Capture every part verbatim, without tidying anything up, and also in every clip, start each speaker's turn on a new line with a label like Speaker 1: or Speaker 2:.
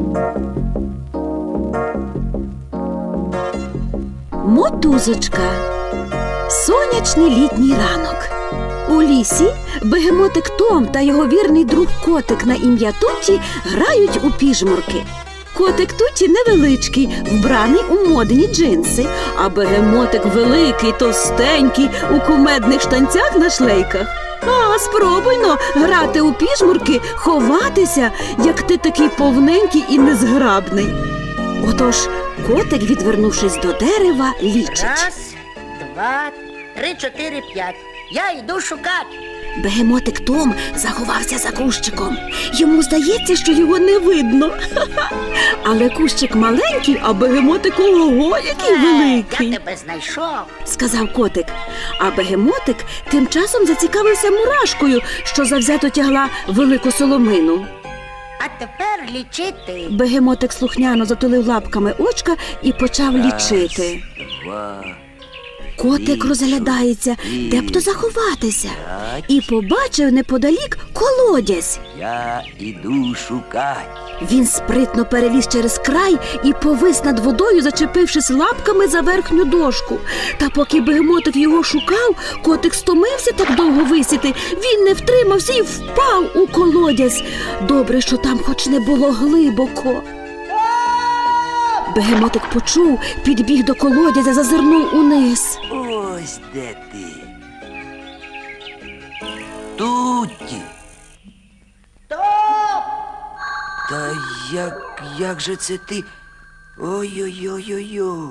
Speaker 1: Мотузочка. Сонячний літній ранок. У лісі бегемотик Том та його вірний друг котик на ім'я Тутті грають у піжмурки. Котик Тутті невеличкий, вбраний у модні джинси, а бегемотик великий, товстенький, у кумедних штанцях на шлейках. А, спробуйно грати у піжмурки, ховатися, як ти такий повненький і незграбний. Отож, котик, відвернувшись до дерева, лічить.
Speaker 2: Раз, два, три, чотири, п'ять. Я йду шукати.
Speaker 1: Бегемотик Том заховався за кущиком. Йому здається, що його не видно. Але кущик маленький, а бегемотик ого, який великий.
Speaker 2: Я тебе знайшов,
Speaker 1: сказав котик. А бегемотик тим часом зацікавився мурашкою, що завзято тягла велику соломину.
Speaker 2: а тепер лічити.
Speaker 1: Бегемотик слухняно затулив лапками очка і почав лічити.
Speaker 3: Два.
Speaker 1: Котик розглядається, де б то заховатися, і побачив неподалік колодязь.
Speaker 3: Я іду шукать.
Speaker 1: Він спритно переліз через край і повис над водою, зачепившись лапками за верхню дошку. Та поки бегемотик його шукав, котик стомився так довго висіти. Він не втримався і впав у колодязь. Добре, що там хоч не було глибоко. Бегемотик почув, підбіг до колодязя, зазирнув униз.
Speaker 3: Ось де ти. Тутті.
Speaker 2: Топ!
Speaker 3: Та як, як же це ти? Ой-ой-ой-ой-ой.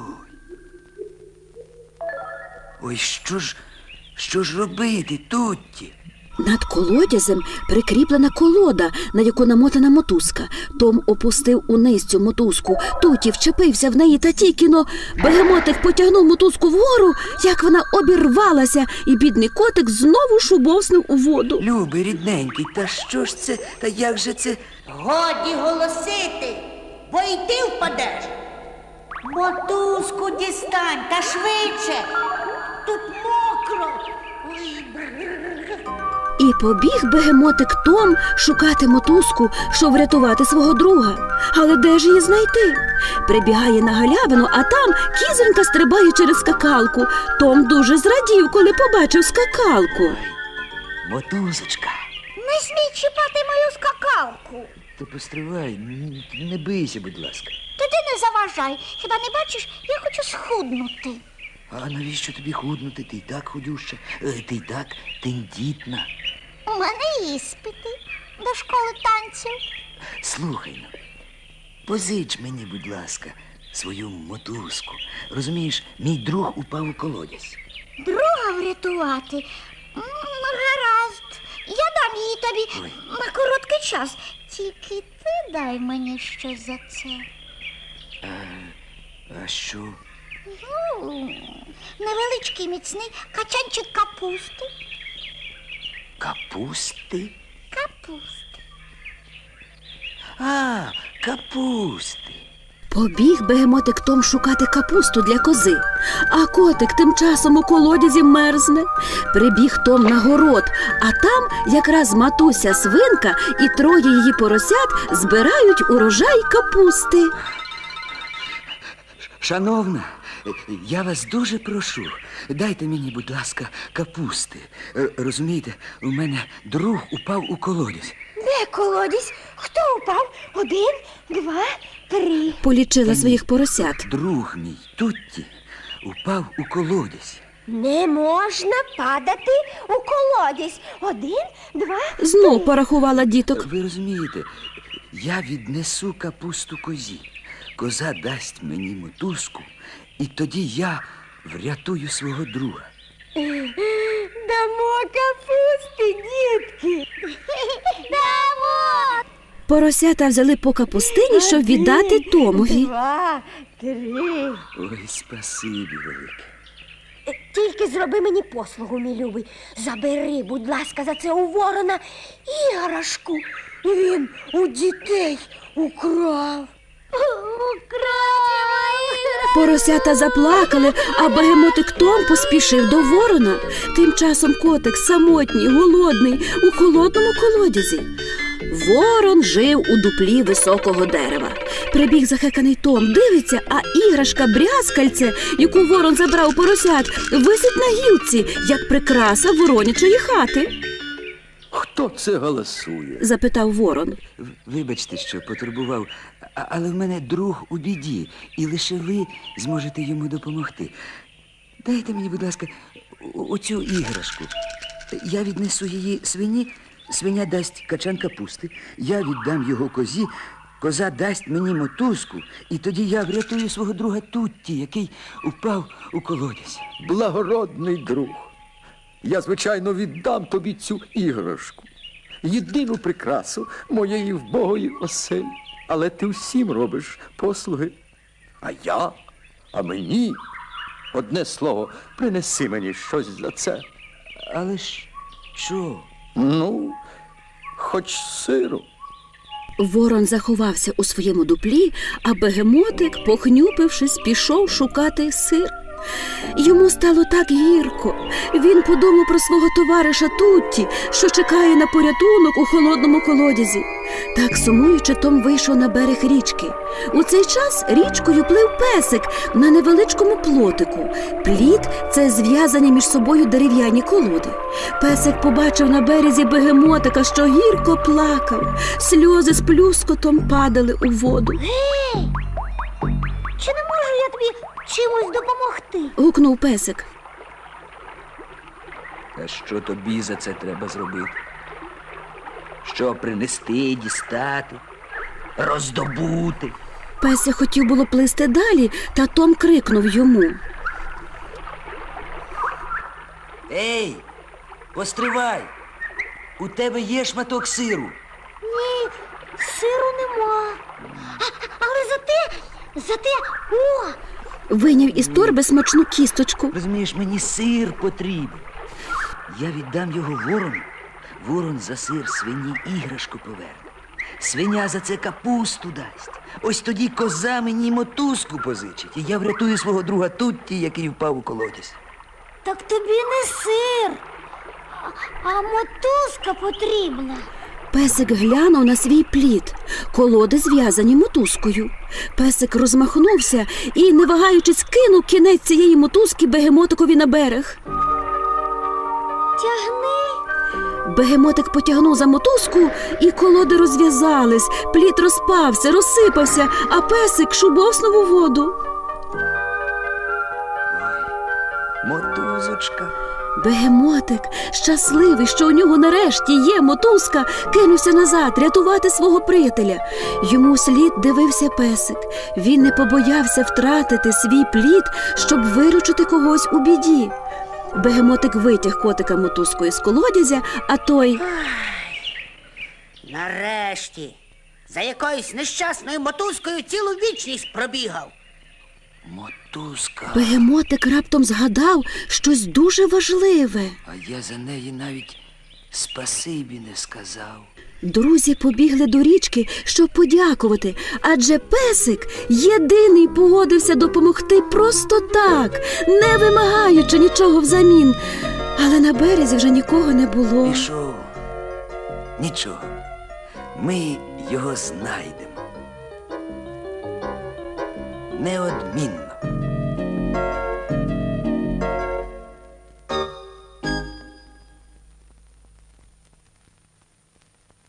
Speaker 3: Ой, що ж, що ж робити, Тутті?
Speaker 1: Над колодязем прикріплена колода, на яку намотана мотузка. Том опустив униз цю мотузку. Тутті вчепився в неї, та тільки-но бегемотик потягнув мотузку вгору, як вона обірвалася, і бідний котик знову шубовснув у воду.
Speaker 3: Любий, рідненький, та що ж це, та як же це?
Speaker 2: Годі голосити, бо й ти впадеш. Мотузку дістань, та швидше. Тут мокро. Ой, бррр.
Speaker 1: І побіг бегемотик Том шукати мотузку, щоб врятувати свого друга. Але де ж її знайти? Прибігає на галявину, а там кізонька стрибає через скакалку. Том дуже зрадів, коли побачив скакалку.
Speaker 3: Мотузочка.
Speaker 2: Не смій чіпати мою скакалку.
Speaker 3: То постривай, н- не бийся, будь ласка.
Speaker 2: Тоді не заважай. Хіба не бачиш, я хочу схуднути.
Speaker 3: А навіщо тобі худнути? Ти й так худюща, е, ти й так тендітна.
Speaker 2: У мене іспити до школи танців.
Speaker 3: Слухай ну, позич мені, будь ласка, свою мотузку. Розумієш, мій друг упав у колодязь.
Speaker 2: Друга врятувати? М, Гаразд. Я дам її тобі
Speaker 3: Ой.
Speaker 2: на короткий час. Тільки ти дай мені щось за це.
Speaker 3: А, а що?
Speaker 2: Ну, невеличкий міцний качанчик капусти.
Speaker 3: Капусти?
Speaker 2: Капусти.
Speaker 3: А, капусти.
Speaker 1: Побіг бегемотик Том шукати капусту для кози, а котик тим часом у колодязі мерзне. Прибіг Том на город, а там якраз матуся свинка і троє її поросят збирають урожай капусти.
Speaker 3: Шановна, я вас дуже прошу, дайте мені, будь ласка, капусти. Е, Розумієте, у мене друг упав у колодязь.
Speaker 2: Де колодязь? Хто упав? Один, два, три.
Speaker 1: Полічила своїх поросят.
Speaker 3: Друг мій, Тутті, упав у колодязь.
Speaker 2: Не можна падати у колодязь. Один, два,
Speaker 1: Знов порахувала діток.
Speaker 3: Ви розумієте, я віднесу капусту козі. Коза дасть мені мотузку, і тоді я врятую свого друга.
Speaker 2: Дамо капусти, дітки. Дамо.
Speaker 1: Поросята взяли по капустині, щоб віддати Томові.
Speaker 2: Два, три.
Speaker 3: Ой, спасибі велике.
Speaker 2: Тільки зроби мені послугу, мій любий. Забери, будь ласка, за це у ворона іграшку. Він у дітей украв. Украв!
Speaker 1: Поросята заплакали, а бегемотик Том поспішив до ворона. Тим часом котик самотній, голодний, у холодному колодязі. Ворон жив у дуплі високого дерева. Прибіг захеканий Том, дивиться, а іграшка брязкальце, яку ворон забрав у поросят, висить на гілці, як прикраса воронячої хати.
Speaker 4: Хто це голосує?
Speaker 1: Запитав ворон.
Speaker 3: В- Вибачте, що потурбував, а- але в мене друг у біді, і лише ви зможете йому допомогти. Дайте мені, будь ласка, о- оцю іграшку. Я віднесу її свині, свиня дасть качан капусти, я віддам його козі, коза дасть мені мотузку, і тоді я врятую свого друга Тутті, який упав у колодязь.
Speaker 4: Благородний друг. Я, звичайно, віддам тобі цю іграшку. Єдину прикрасу моєї вбогої оселі. Але ти всім робиш послуги. А я, а мені. Одне слово, принеси мені щось за це.
Speaker 3: Але ж що?
Speaker 4: Ну, хоч сиру.
Speaker 1: Ворон заховався у своєму дуплі, а бегемотик, похнюпившись, пішов шукати сир. Йому стало так гірко. Він подумав про свого товариша Тутті, що чекає на порятунок у холодному колодязі. Так сумуючи, Том вийшов на берег річки. У цей час річкою плив песик на невеличкому плотику. Пліт – це зв'язані між собою дерев'яні колоди. Песик побачив на березі бегемотика, що гірко плакав. Сльози з плюскотом падали у воду.
Speaker 2: Гей! Чи не можу я тобі чимось допомогти?
Speaker 1: Гукнув песик.
Speaker 3: А що тобі за це треба зробити? Що принести, дістати, роздобути?
Speaker 1: Песик хотів було плисти далі, та Том крикнув йому.
Speaker 3: Ей, постривай! У тебе є шматок сиру?
Speaker 2: Ні, сиру нема. А, але зате, зате, о!
Speaker 1: Вийняв із торби смачну кісточку.
Speaker 3: Розумієш, мені сир потрібен. Я віддам його ворону. Ворон за сир свині іграшку поверне. Свиня за це капусту дасть. Ось тоді коза мені мотузку позичить. І я врятую свого друга Тутті, який впав у колодязь.
Speaker 2: Так тобі не сир, а, а мотузка потрібна.
Speaker 1: Песик глянув на свій плід. Колоди зв'язані мотузкою. Песик розмахнувся і, не вагаючись, кинув кінець цієї мотузки бегемотикові на берег.
Speaker 2: Тягни.
Speaker 1: Бегемотик потягнув за мотузку, і колоди розв'язались. Плід розпався, розсипався, а песик шубовснув у воду.
Speaker 3: Мотузочка.
Speaker 1: Бегемотик, щасливий, що у нього нарешті є мотузка, кинувся назад рятувати свого приятеля. Йому слід дивився песик. Він не побоявся втратити свій плід, щоб виручити когось у біді. Бегемотик витяг котика мотузкою з колодязя, а той...
Speaker 5: Нарешті, за якоюсь нещасною мотузкою цілу вічність пробігав.
Speaker 3: Мотузка.
Speaker 1: Бегемотик раптом згадав щось дуже важливе.
Speaker 3: А я за неї навіть спасибі не сказав.
Speaker 1: Друзі побігли до річки, щоб подякувати, адже песик єдиний погодився допомогти просто так, не вимагаючи нічого взамін. Але на березі вже нікого не було.
Speaker 3: Пішов. Нічого. Ми його знайдемо. Неодмінно.